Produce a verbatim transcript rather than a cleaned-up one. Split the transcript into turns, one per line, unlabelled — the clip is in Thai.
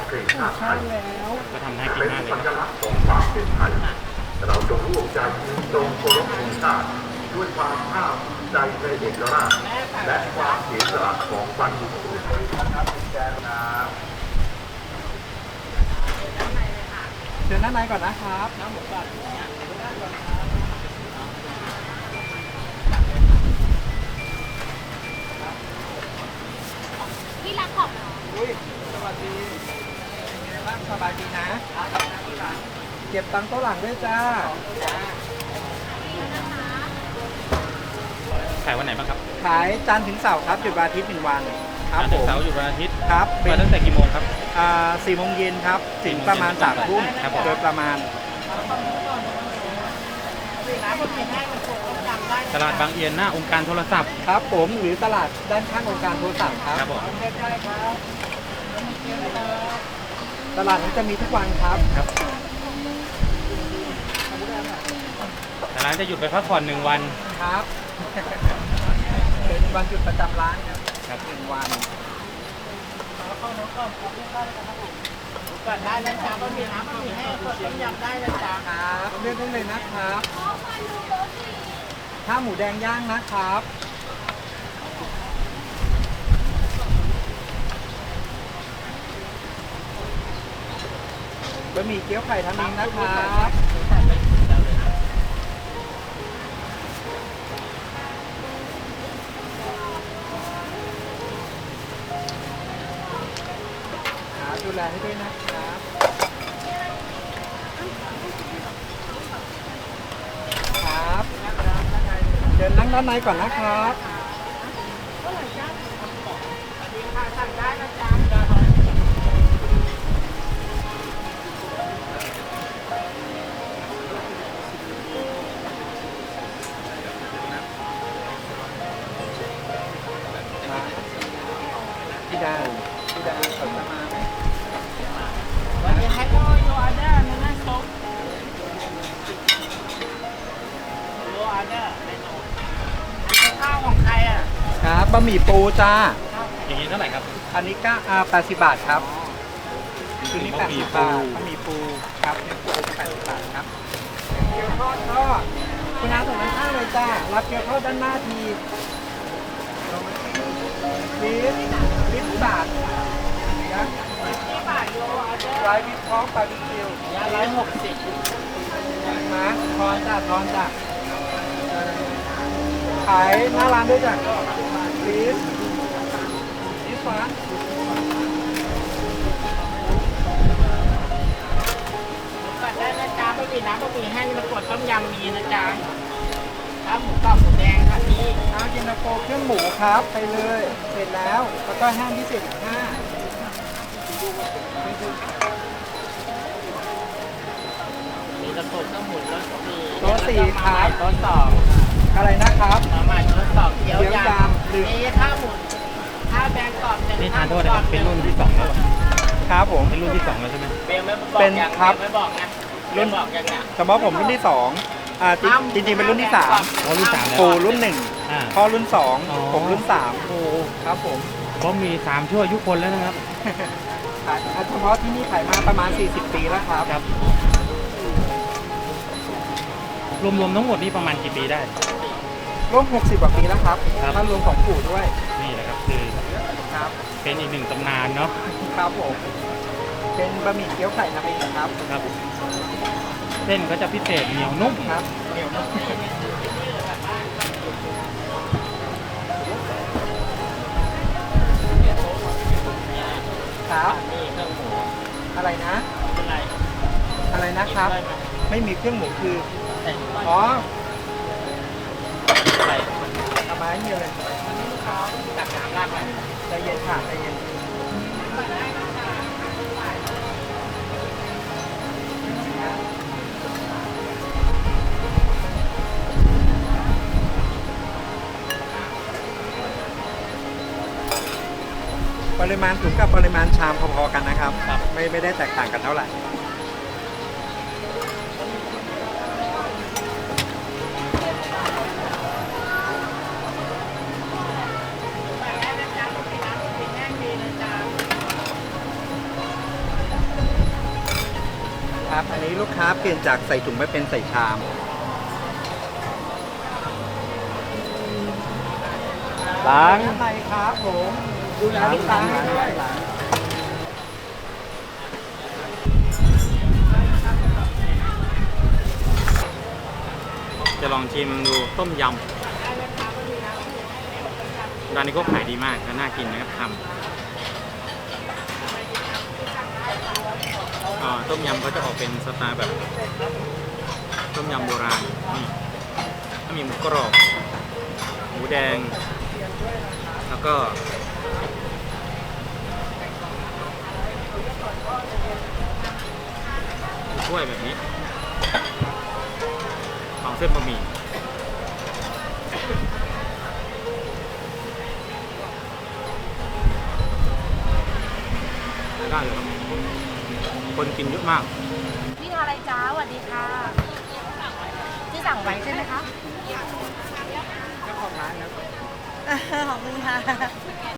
เพลงชาติไทย
ก็ทำน่ากิน
เป็น
มากเลย
สั
นะ
ญลักษณ์ของความเป็นไทยเราจงร่วมใจยืนตรงเคารพธงชาติด้วยความภาคภูมิใจในเอกราชและความเสียสละของบรรพบุรุษครับแกนน้ำ
เชิญด้านในก่อนนะครับน้ำหมูก่อน
พี่รักขอบเหรอ
อุ้ยสวัสดีเป็นไงบ้างสบายดีนะเก็บตังค์โต๊ะหลังด้วยจ้า
ขายวันไหนบ้างครับ
ขายจันทร์ถึงเสาร์ครับหยุดวันอาทิตย์หนึ่งวันครับ
จันท
ผ
ร์ถึง
ม
เสาร์อยู่วันอาทิตย์
ครับ
เปิดตั้งแต่กี่โมงครับ
อ่าสี่โมงเย็นครับถึงประมาณสามทุ่ม
ครับผม
โดยประมาณ
ตลาดบางเอียนหน้าองค์การโทรศัพท์
ครับผมหรือตลาดด้านข้างองค์การโทรศัพท์ครับ
ครับผม
ตลาดนี้จะมีทุกวันครับ
ครับแต่ร้านจะหยุดไปพักผ่อนหนึ่งวัน
ครับ เป็นวันหยุดประจำร้านครับ
ครับ
หนึ่งวัน
ก่อนได้นะจ๊ะบะหมี่น้ำบะหมี่แห้งกดต้มยำได้นะจ๊ะ
ครับเลือกได้เลยนะครับข้าวหมูแดงย่างนะครับบะหมี่เกี๊ยวไข่ทำเองนะครับครับดูแลให้ด้วยนะครับครับเดินนั่งด้านในก่อนนะครับ
สั่งได้นะจ๊ะ
มาพี่ดาวพี่ดาวเขาจะมาไหม
วันนี้ให้ก็โยออเดอร์นะนะซุปโยออเดอร์ในโต๊ะข้าวของใครอ่ะ
ครับบะหมี่ปูจ้า
อย่างนี้เท่าไหร่ครับ
อันนี้ก็อ่าแปดสิบบาทครับคือนี่แป
บะ
ด
หมี่
สิบ
ปู
บาทบะหมี่ปูครับเนื้อปูแปดสิบบาทครับเกี๊ยวทอดทอดคุณอาส่งด้านข้างเลยจ้ารับเกี๊ยวทอดด้านหน้าทีลิฟลิฟบาทนะ
ที่บาทโยออเดอร์
ไรวิปพร้อมบาร์บีคิวย
าร้อยหกสิบ
มาทอนจ้าทอนจ้าขายหน้าร้านด้วยจ้ะลิฟลิฟฟ้า
ก่อนได้นะจ๊ะบะหมี่น้ำบะหมี่แห้งมากดต้มยำมีนะจ๊ะข้าวหมูกรอบหมูแดงค่ะพี่
เอาเย็นตาโฟเครื่องหมูครับไปเลย เสร็จแล้ว แล้วก็แห้งพิเศษอีกห้า
มีตะกบข้าวหมูรสสี่
โต๊ะสี่ครับ
โต๊ะสอง
อะไรนะครับ
มาใหม่โต๊ะสองเกี๊ยว
เกี๊ยวย
ำ
ำหรือ
มีข้าวหมูข้าวแบงกรอบหนึ่ง
นี่ทานโทษนะครับเป็นรุ่นที่สองแล้วเหรอ
ครับผม
เป็นรุ่นที่สองแล้วใช่ไหม
เบลไม่บอก
เป็น
ยัง
ครับ
เบลไม่บอกนะ
รุ่น
เบลบอกยังเนี่ย
เฉพาะผมรุ่นที่สองอ่าจริงจริงๆเป็นรุ่นที่สาม
อ๋อรุ่นสามแล้ว
ปู่รุ่นหนึ่ง
อ่า
พ่อรุ่นสอง
อ๋อ
ผมรุ่นสาม
โอ้
ครับผม
ก็มีสามชั่วอายุคนแล้วนะครับ
ขายเฉพาะที่นี่ขายมาประมาณสี่สิบปีแล้วครับ
ครับ รวมๆทั้งหมดนี่ประมาณกี่ปีได้
ร่วมหกสิบกว่าปีแล้วครับ
ครับ
ถ้ารวมของปู่ด้วย
นี่แหละครับคือ
ครับ
เป็นอีกหนึ่งตำนานเนาะ
ครับผมเป็นบะหมี่เกี๊ยวไข่ทำเองครับ
ครับ เส้นก็จะพิเศษเหนียวนุ่ม
ครับเหนียวนุ่มครับ
นี่เครื่องหมู
อะไรนะ
เป็นไร
อะไรนะครับ ไม่มีเครื่องหมูคือ
แต่
อ๋อ
อะไร
เอามาให้เยอะเลย
ตักน้ำราดไป
ใจเย็นค่ะใจเย็นปริมาณถุงกับปริมาณชามพอๆกันนะครับ ไม่ไม่ได้แตกต่างกันเท่าไหร่
แห้งมีนะจ๊ะ
ครับ อันนี้ลูกค้าเปลี่ยนจากใส่ถุงไม่เป็นใส่ชาม
ล้าง
อะไรครับผมดูแลลูกค้าให้ด้วย
จะลองชิมดูต้มยำร้านนี้ก็ขายดีมากและน่ากินนะครับทำอ่าต้มยำก็จะออกเป็นสไตล์แบบต้มยำโบราณนี่ถ้ามีหมูกรอบหมูแดง แล้วก็ถ้วยแบบนี้ของเส้นบะหมี่ได้เลยครับคนกินเยอะมาก
นี่อะไรจ้าสวัสดีค่ะ ที่สั่งไว้ใช่ไหมคะ
เจ้าของร้านครับ
ขอบคุณค่ะ